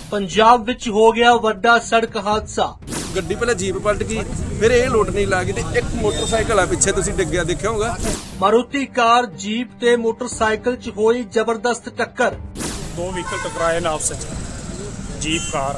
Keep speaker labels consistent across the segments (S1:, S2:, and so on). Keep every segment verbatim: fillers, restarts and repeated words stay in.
S1: पंजाब विच हो गया वड्डा सड़क हादसा।
S2: ਗੱਡੀ ਪਹਿਲਾਂ ਜੀਪ ਪਲਟ ਗਈ, ਫਿਰ ਇਹ ਲੋਟ ਨਹੀਂ ਲੱਗੀ ਤੇ ਇੱਕ ਮੋਟਰਸਾਈਕਲ ਆ ਪਿੱਛੇ ਤੁਸੀਂ ਡਿੱਗਿਆ ਦੇਖਿਆ ਹੋਗਾ।
S1: मारुति कार जीप ते मोटरसाइकिल च होई जबरदस्त टक्कर।
S3: दो व्हीकल टकराए ने आपस च, जीप कार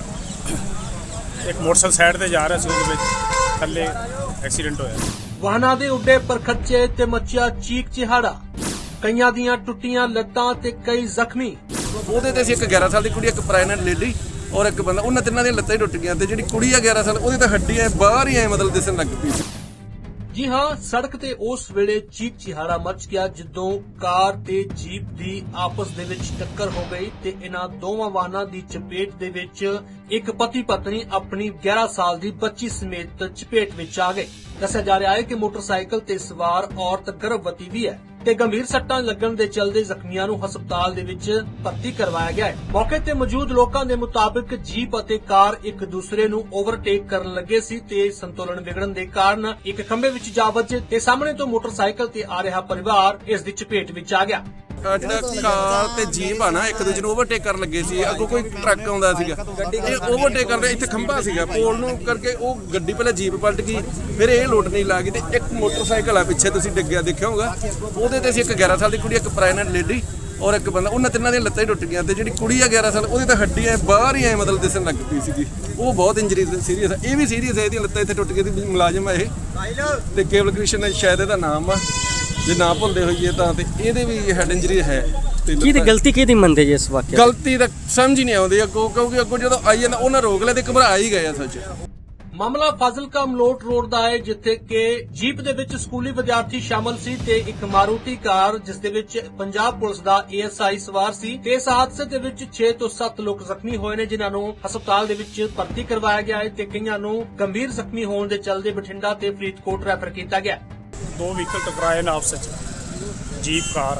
S3: एक मोटरसाइकिल साइड ते जा रहा सी, ਉਹਦੇ ਵਿੱਚ ਥੱਲੇ ਐਕਸੀਡੈਂਟ ਹੋਇਆ।
S1: वाहना दे उड्डे परखच्चे ते मचिया चीक चिहाड़ा, कईयां दियां टुੱਟੀਆਂ ਲੱਤਾਂ ਤੇ कई ਜ਼ਖਮੀ।
S2: ਉਹਦੇ ਤੇ ਸੀ ਇੱਕ ਗਿਆਰਾਂ ਸਾਲ ਦੀ ਕੁੜੀ, ਇੱਕ ਪ੍ਰੈਗਨੈਂਟ ਲੇਡੀ ਔਰ ਇੱਕ ਬੰਦਾ, ਉਹਨਾਂ ਤਿੰਨਾਂ ਦੀਆਂ ਲੱਤਾਂ ਹੀ ਟੁੱਟ ਗਈਆਂ ਤੇ ਜਿਹੜੀ ਕੁੜੀ ਆ ਗਿਆਰਾਂ ਸਾਲ ਉਹਦੀ ਤਾਂ ਹੱਡੀਆਂ ਬਾਹਰ ਹੀ ਐ ਮਤਲਬ ਦਿਸਣ ਲੱਗ ਪਈ ਸੀ।
S1: ਜੀ ਹਾਂ, ਸੜਕ ਤੇ ਉਸ ਵੇਲੇ ਚੀਕ ਚਿਹਾੜਾ ਮਚ ਗਿਆ ਜਦੋਂ ਕਾਰ ਤੇ ਜੀਪ ਦੀ ਆਪਸ ਦੇ ਵਿੱਚ ਟੱਕਰ ਹੋ ਗਈ ਤੇ ਇਹਨਾਂ ਦੋਵਾਂ ਵਾਹਨਾਂ ਦੀ ਚਪੇਟ ਦੇ ਵਿੱਚ ਇੱਕ ਪਤੀ ਪਤਨੀ ਆਪਣੀ ਗਿਆਰਾਂ ਸਾਲ ਦੀ ਬੱਚੀ ਸਮੇਤ ਚਪੇਟ ਵਿੱਚ ਆ ਗਏ। ਦੱਸਿਆ ਜਾ ਰਿਹਾ ਹੈ ਕਿ ਮੋਟਰਸਾਈਕਲ ਤੇ ਸਵਾਰ ਔਰਤ ਗਰਭਵਤੀ ਵੀ ਹੈ ਤੇ ਗੰਭੀਰ ਸੱਟਾਂ ਲੱਗਣ ਦੇ ਚਲਦੇ ਜ਼ਖਮੀਆਂ ਨੂੰ ਹਸਪਤਾਲ ਦੇ ਵਿੱਚ ਭਰਤੀ ਕਰਵਾਇਆ ਗਿਆ ਹੈ। ਮੌਕੇ ਤੇ ਮੌਜੂਦ ਲੋਕਾਂ ਦੇ ਮੁਤਾਬਕ ਜੀਪ ਅਤੇ ਕਾਰ ਇੱਕ ਦੂਸਰੇ ਨੂੰ ਓਵਰਟੇਕ ਕਰਨ ਲੱਗੇ ਸੀ ਤੇ ਸੰਤੁਲਨ ਵਿਗੜਨ ਦੇ ਕਾਰਨ ਇੱਕ ਖੰਭੇ ਵਿੱਚ ਜਾ ਵੱਜੇ ਤੇ ਸਾਹਮਣੇ ਤੋਂ ਮੋਟਰਸਾਈਕਲ ਤੇ ਆ ਰਿਹਾ ਪਰਿਵਾਰ ਇਸ ਦੀ ਚਪੇਟ ਵਿੱਚ ਆ ਗਿਆ।
S2: ਜਿਹੜਾ ਕਾਰ ਤੇ ਜੀਪ ਆ ਨਾ ਇੱਕ ਦੂਜੇ ਨੂੰ ਓਵਰਟੇਕ ਕਰਨ ਲੱਗੇ ਸੀ, ਅੱਗੋਂ ਕੋਈ ਟਰੱਕ ਆਉਂਦਾ ਸੀਗਾ, ਇਹ ਓਵਰਟੇਕ ਕਰਦੇ ਇੱਥੇ ਖੰਭਾ ਸੀਗਾ ਪੋਲ ਨੂੰ ਕਰਕੇ ਉਹ ਗੱਡੀ ਪਹਿਲਾਂ ਜੀਪ ਪਲਟ ਗਈ, ਫਿਰ ਇਹ ਲੋਟ ਨਹੀਂ ਲੱਗੀ ਤੇ ਇੱਕ ਮੋਟਰਸਾਈਕਲ ਆ ਪਿੱਛੇ ਤੁਸੀਂ ਡਿੱਗਿਆ ਦੇਖਿਆ ਹੋਗਾ। ਉਹਦੇ ਤੇ ਸੀ ਇੱਕ ਗਿਆਰਾਂ ਸਾਲ ਦੀ ਕੁੜੀ, ਇੱਕ ਪ੍ਰੈਗਨੈਂਟ ਲੇਡੀ ਔਰ ਇੱਕ ਬੰਦਾ, ਉਹਨਾਂ ਤਿੰਨਾਂ ਦੀਆਂ ਲੱਤਾਂ ਹੀ ਟੁੱਟ ਗਈਆਂ ਤੇ ਜਿਹੜੀ ਕੁੜੀ ਆ ਗਿਆਰਾਂ ਸਾਲ ਉਹਦੀ ਤਾਂ ਹੱਡੀਆਂ ਬਾਹਰ ਹੀ ਐ ਮਤਲਬ ਦਿਸਣ ਲੱਗ ਪਈ ਸੀਗੀ। ਉਹ ਬਹੁਤ ਇੰਜਰੀ ਸੀਰੀਅਸ ਆ, ਇਹ ਵੀ ਸੀਰੀਅਸ ਹੈ, ਇਹਦੀਆਂ ਲੱਤਾਂ ਇੱਥੇ ਟੁੱਟ ਗਈਆਂ ਸੀ। ਮੁਲਾਜ਼ਮ ਆ ਇਹ ਤੇ ਕੇਵਲ ਕ੍ਰਿਸ਼ਨ ਸ਼ਾਇਦ ਇਹਦਾ ਨਾਮ ਆ, ਜੇ ਨਾ ਭੁੱਲਦੇ ਹੋਈਏ ਤਾਂ, ਤੇ ਇਹਦੇ ਵੀ ਹੈਡ ਇੰਜਰੀ ਹੈ।
S4: ਕੀ ਦੀ ਗਲਤੀ ਕਿਹਦੀ ਮੰਨਦੇ ਜੀ ਇਸ ਵਾਕਿਆ?
S2: ਗਲਤੀ ਤਾਂ ਸਮਝ ਹੀ ਨਹੀਂ ਆਉਂਦੀ ਅੱਗੋਂ, ਕਿਉਂਕਿ ਅੱਗੋਂ ਜਦੋਂ ਆਈ ਜਾਂਦਾ ਉਹਨਾਂ ਰੋਕ ਲਿਆ ਤੇ ਘਬਰਾ ਹੀ ਗਏ ਆ ਸੱਚ।
S1: ਮਾਮਲਾ ਫਾਜ਼ਿਲਕਾ ਮਲੋਟ ਰੋਡ ਦਾ ਹੈ ਜਿੱਥੇ ਕਿ ਜੀਪ ਦੇ ਵਿੱਚ ਸਕੂਲੀ ਵਿਦਿਆਰਥੀ ਸ਼ਾਮਲ ਸੀ ਤੇ ਇੱਕ ਮਾਰੂਤੀ ਕਾਰ ਜਿਸ ਦੇ ਵਿੱਚ ਪੰਜਾਬ ਪੁਲਿਸ ਦਾ ਏਐਸਆਈ ਸਵਾਰ ਸੀ ਤੇ ਇਸ ਹਾਦਸੇ ਦੇ ਵਿੱਚ ਛੇ ਤੋਂ ਸੱਤ ਲੋਕ ਜ਼ਖਮੀ ਹੋਏ ਨੇ, ਜਿਨ੍ਹਾਂ ਨੂੰ ਹਸਪਤਾਲ ਦੇ ਵਿੱਚ ਭਰਤੀ ਕਰਵਾਇਆ ਗਿਆ ਹੈ ਤੇ ਕਈਆਂ ਨੂੰ ਗੰਭੀਰ ਜ਼ਖਮੀ ਹੋਣ ਦੇ ਚਲਦੇ ਬਠਿੰਡਾ ਤੇ ਫਰੀਦਕੋਟ ਰੈਫਰ ਕੀਤਾ ਗਿਆ।
S3: दो व्हीकल टकराए ने आपस च, जीप कार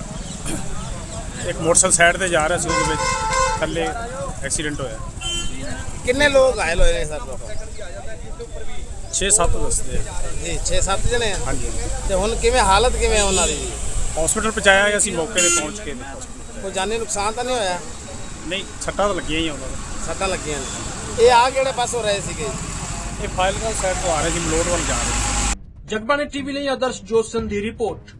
S3: एक मोटरसाइकिल साइड ते जा रहा सी, ਉਹਦੇ ਵਿੱਚ ਥੱਲੇ ਐਕਸੀਡੈਂਟ ਹੋਇਆ।
S5: ਕਿੰਨੇ ਲੋਕ ਘਾਇਲ ਹੋਏ ਨੇ ਸਰ?
S3: ਛੇ ਸੱਤ ਦੱਸਦੇ ਆ
S5: ਜੀ ਛੇ ਸੱਤ ਜਣੇ ਆ।
S3: ਹਾਂਜੀ।
S5: ਤੇ ਹੁਣ ਕਿਵੇਂ ਹਾਲਤ ਕਿਵੇਂ ਉਹਨਾਂ ਦੀ?
S3: ਹਸਪੀਟਲ ਪਹੁੰਚਾਇਆ ਗਿਆ ਸੀ, ਮੌਕੇ ਤੇ ਪਹੁੰਚ ਕੇ
S5: ਕੋਈ ਜਾਨੀ ਨੁਕਸਾਨ ਤਾਂ ਨਹੀਂ ਹੋਇਆ?
S3: ਨਹੀਂ, ਸੱਟਾਂ ਤਾਂ ਲੱਗੀਆਂ ਹੀ ਆ ਉਹਨਾਂ ਨੂੰ।
S5: ਸੱਟਾਂ ਲੱਗੀਆਂ ਨੇ। ਇਹ ਆ ਕਿਹੜੇ ਪਾਸੋਂ ਰਹੇ ਸੀਗੇ?
S3: ਇਹ ਫਾਜ਼ਿਲਕਾ ਸਾਈਡ ਤੋਂ ਆ ਰਹੇ ਸੀ, ਮਲੋਟ ਵੱਲ ਜਾ ਰਹੇ ਸੀ।
S1: ਜਗਬਾਣੀ ਟੀਵੀ ਲਈ ਆਦਰਸ਼ ਜੋਸਨ ਦੀ ਰਿਪੋਰਟ।